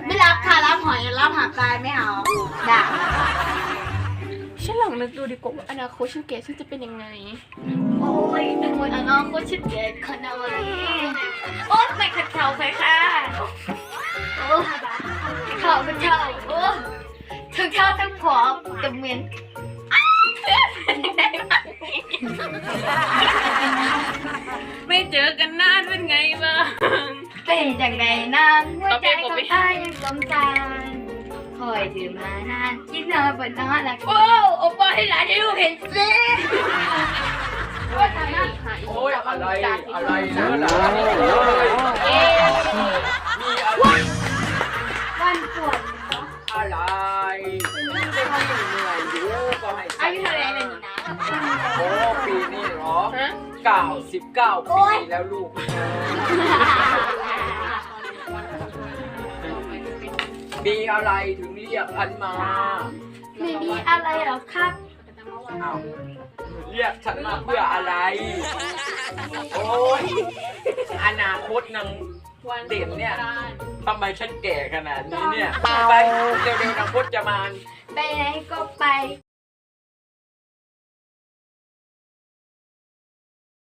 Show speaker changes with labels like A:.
A: ไม่รับค่ะรับหอยรับหาปลาไม่เอาด่า
B: ฉันลองนึกดูดีกว่าว่าอนาคตฉันแก่ฉันจะเป็นยังไง
A: โอ้ยอนาคตฉันเด็กขนาดนี้โอ๊ยไม่ขัดเข่าไปค่ะโอ้เข่าเป็นเข่าโอ้ทั้งเข่าทั้งผอมแต่เหมือน
B: ไม่เจอกันนานเป็นไงบ้าง
A: เป็นอย่างไรนางหัวใจของข้ายังสมสารคอยถือมานานคิดนอนบนนอนละโอ้โอปอให้หลานให้ลูกเห็นสิว่าทำหน้า
C: โอ้ยอะไรเนื้อหนามีอะไร
A: วันปวด
C: อะไรไม่ทำเหนื่อยอยู่ก็ให้
A: อายุเท่าไรเลยนี่นะ
C: โอ้ปีนี้เหรอ
B: ฮะ
C: 99 ปีแล้วลูกมีอะไรถึงเรียกฉันมา
A: ไม่มีอะไรหรอกครับ
C: อ้าวเรียกฉันมาเพื่ออะไร โอ้ยอนาคตนางเด่นเนี่ยทำไมฉันแก่ขนาดนี้เนี่ยไปเร็วๆนางพจมาน
A: ไปไหนก็ไป